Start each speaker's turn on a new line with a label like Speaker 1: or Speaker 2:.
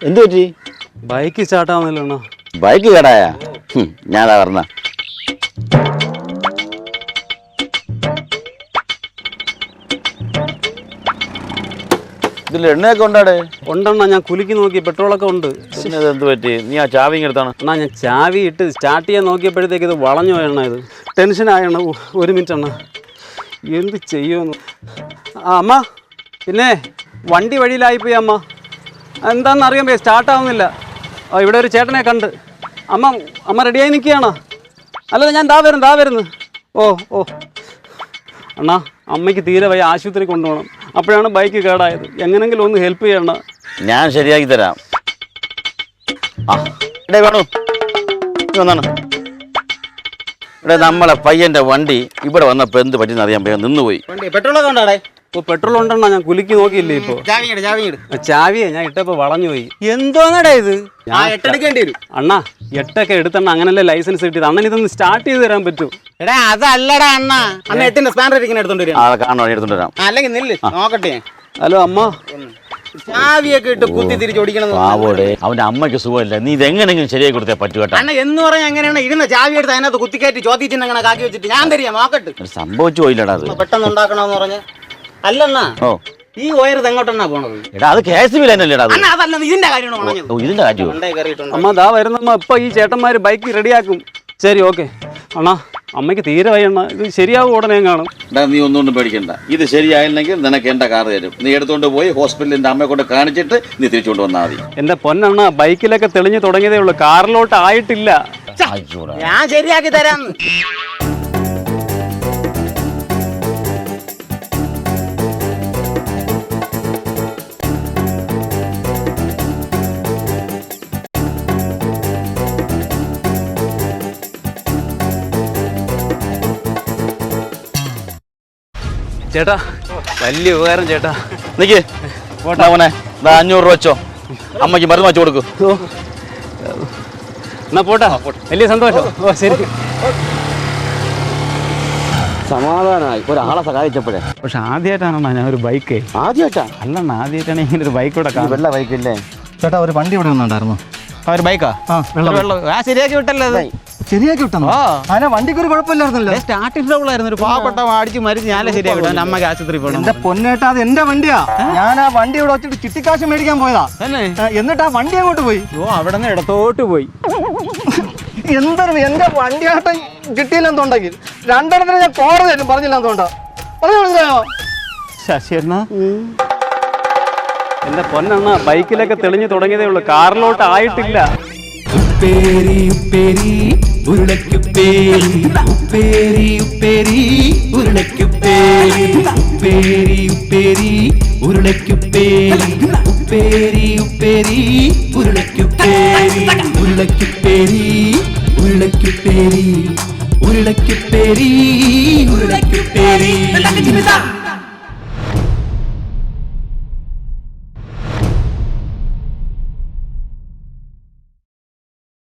Speaker 1: എന്ത് പറ്റി?
Speaker 2: Bike സ്റ്റാർട്ടാവുന്നില്ല.
Speaker 1: Bike കേടായ? ഞാനാ പറഞ്ഞ. ഇതിൽ എണ്ണയൊക്കെ ഉണ്ടാടേ?
Speaker 2: ഉണ്ടെണ്ണ, ഞാൻ കുലുക്കി നോക്കി, പെട്രോളൊക്കെ ഉണ്ട്.
Speaker 1: പിന്നെ ഇത് എന്ത് പറ്റി? നീ ആ ചാവി എടുത്താണ്?
Speaker 2: അണ്ണാ, ഞാൻ ചാവി ഇട്ട് സ്റ്റാർട്ട് ചെയ്യാൻ നോക്കിയപ്പോഴത്തേക്ക് ഇത് വളഞ്ഞു പോയണ്ണ. ഇത് ടെൻഷനായണ്ണ. ഒരു മിനിറ്റ് അണ്ണ, എന്ത് ചെയ്യുമെന്ന്. അമ്മ, പിന്നെ വണ്ടി വഴിയിലായിപ്പോയി അമ്മ. എന്താണെന്ന് അറിയാൻ പോയി, സ്റ്റാർട്ടാവുന്നില്ല. ഇവിടെ ഒരു ചേട്ടനെ കണ്ട്. അമ്മ റെഡിയായി നിൽക്കുകയാണോ? അല്ല, ഞാൻ ദാ വരുന്നു. ഓ അണ്ണാ, അമ്മയ്ക്ക് തീരെ വയ്യ, ആശുപത്രി കൊണ്ടുപോകണം. അപ്പോഴാണ് ബൈക്ക് കേടായത്. എങ്ങനെങ്കിലും ഒന്ന് ഹെൽപ്പ് ചെയ്യണ.
Speaker 1: ഞാൻ ശരിയാക്കി തരാം. വേണു വന്നാണ്. ഇവിടെ നമ്മളെ പയ്യന്റെ വണ്ടി ഇവിടെ വന്നപ്പോ എന്ത് പറ്റിയെന്ന് അറിയാൻ പയ്യ നിന്നുപോയി.
Speaker 3: പെട്രോളൊക്കെ ഉണ്ടാടേ?
Speaker 2: പെട്രോൾ ഉണ്ടെണ്ണ, ഞാൻ കുലുക്കി നോക്കിയില്ലേ. ഇപ്പൊ ചാവിയെ ഞാൻ ഇട്ടപ്പോ വളഞ്ഞു പോയി.
Speaker 3: എന്തോന്നടാ ഇത്?
Speaker 2: എടുക്കേണ്ടി വരും അണ്ണാ. 8 എടുത്തണ്ണ, അങ്ങനല്ലേ ലൈസൻസ് കിട്ടിയത്. അണ്ണൻ ഇതൊന്ന് സ്റ്റാർട്ട് ചെയ്ത് തരാൻ പറ്റും?
Speaker 3: എടാ, അതല്ലടാ അണ്ണ. അണ്ണ 8 സ്പാനർ ഇരിക്കുന്ന എടുത്തോണ്ട്
Speaker 1: എടുത്തോണ്ട് വരാം.
Speaker 3: അല്ലെങ്കിൽ നില്ല്, നോക്കട്ടെ.
Speaker 2: ഹലോ അമ്മ,
Speaker 3: ചാവിയൊക്കെ ഇട്ട് കുത്തി തിരിച്ച് ഓടിക്കണം.
Speaker 1: അവന്റെ അമ്മയ്ക്ക് സുഖമില്ല. നീ ഇതെങ്ങനെങ്കിലും ശരിയായി കൊടുത്തേ പറ്റൂ കേട്ടോ.
Speaker 3: അണ്ണ എന്ന് പറഞ്ഞാൽ എങ്ങനെയാണ് ഇരുന്ന ചാവി എടുത്ത് അതിനകത്ത് കുത്തിക്കയറ്റി ചോദിച്ചിട്ട് അങ്ങനെ കാക്കി വെച്ചിട്ട് ഞാൻ തരിക നോക്കട്ടെ.
Speaker 1: സംഭവിച്ചു പോയില്ലടാ. അത്
Speaker 3: പെട്ടെന്ന് ഉണ്ടാക്കണമെന്ന് പറഞ്ഞ അല്ലണ്ണ. ഈ വയർ എങ്ങോട്ടെണ്ണാ പോണത്?
Speaker 1: എടാ, അത് KSB ലൈനല്ലേടാ.
Speaker 3: അതല്ല, ഇതിന്റെ കാര്യമാണ്.
Speaker 1: ഇതിന്റെ കാര്യം
Speaker 2: അമ്മ ദാ വരുന്നമ്മ. ഇപ്പൊ ഈ ചേട്ടന്മാര് ബൈക്ക് റെഡിയാക്കും. ശരി, ഓക്കെ അണ്ണാ. അമ്മയ്ക്ക് തീരെ വയ്യണ്ണ. ഇത് ശരിയാവും ഉടനെ കാണും.
Speaker 1: നീ ഒന്നുകൊണ്ടും പേടിക്കണ്ട. ഇത് ശരിയായില്ലെങ്കിൽ നിനക്ക് എന്റെ കാർ തരും. നീ എടുത്തോണ്ട് പോയി ഹോസ്പിറ്റലിൽ എന്റെ അമ്മയെ കൊണ്ട് കാണിച്ചിട്ട് നീ തിരിച്ചുകൊണ്ട് വന്നാൽ മതി.
Speaker 2: എന്റെ പൊന്നണ്ണ, ബൈക്കിലൊക്കെ തെളിഞ്ഞു തുടങ്ങിയതേ ഉള്ളൂ, കാറിലോട്ട് ആയിട്ടില്ല.
Speaker 3: ഞാൻ ശരിയാക്കി തരാം.
Speaker 2: ചേട്ടാ, വലിയ ഉപകാരം ചേട്ടാ.
Speaker 1: നിക്ക് മോനെ, 500 രൂപ വെച്ചോ. അമ്മയ്ക്ക് മരുന്ന് വെച്ചു കൊടുക്കൂ.
Speaker 2: എന്നാ പോട്ടാ, വലിയ സന്തോഷം. ശരി.
Speaker 1: സമാധാനമായി ഒരാളെ സഹായിച്ചപ്പോഴേ.
Speaker 2: പക്ഷെ ആദ്യമായിട്ടാണോ ഞാൻ ഒരു ബൈക്ക്?
Speaker 1: ആദ്യമായിട്ടാ?
Speaker 2: അല്ലണ്ണ, ആദ്യമായിട്ടാണ് ഇങ്ങനെ ഒരു ബൈക്ക് ഇവിടെ കാണുന്നത്.
Speaker 1: വെള്ള ബൈക്കല്ലേ
Speaker 3: ചേട്ടാ? ഒരു വണ്ടി ഇവിടെ വന്നിട്ടുണ്ടായിരുന്നു.
Speaker 2: ഒരു ബൈക്കാ? ശരിയാക്കി വിട്ടല്ലേ അത്?
Speaker 3: ശരിയാക്കി വിട്ടോ? അതിനെ വണ്ടിക്ക് ഒരു കുഴപ്പമില്ലായിരുന്നല്ലോ.
Speaker 2: സ്റ്റാർട്ടിംഗ് ട്രബിൾ ആയിരുന്നു. ഒരു പാവപ്പെട്ട അടിച്ച് മരിച്ച് ഞാനേ ശരിയാക്കി വിട്ടു. അമ്മക്ക് ആശുപത്രി പോകണം.
Speaker 3: എന്റെ പൊന്നേട്ടാ, അത് എന്റെ വണ്ടിയാ. ഞാൻ ആ വണ്ടി ഇവിടെ വെച്ചിട്ട് ചിട്ടിക്കാശ് മേടിക്കാൻ പോയതാ. എന്നിട്ട് ആ വണ്ടി അങ്ങോട്ട് പോയി.
Speaker 2: അവിടെ നിന്ന് ഇടത്തോട്ട് പോയി.
Speaker 3: എന്തൊരു എന്റെ വണ്ടിയാട്ടം കിട്ടിയില്ലെന്നുണ്ടെങ്കിൽ 2 ഞാൻ കോടതി പറഞ്ഞില്ല. എന്തുകൊണ്ടാ പറഞ്ഞോ
Speaker 2: ശശിയണ്ണ? എന്റെ പൊന്നണ്ണ, ബൈക്കിലൊക്കെ തെളിഞ്ഞു തുടങ്ങിയതേ ഉള്ളൂ, കാറിലോട്ട് ആയിട്ടില്ല.
Speaker 4: ഉപ്പേരി ഉപ്പേരി ഉരുളക്കുപ്പേരി, ഉപ്പേരി ഉപ്പേരി ഉരുളക്കുപ്പേരി, ഉപ്പേരി ഉപ്പേരി ഉരുളക്കുപ്പേരി, ഉപ്പേരി ഉപ്പേരി ഉരുളക്കുപ്പേരി, ഉരുളക്കുപ്പേരി ഉരുളക്കുപ്പേരി, ഉരുളക്കുപ്പേരി ഉരുളക്കുപ്പേരി.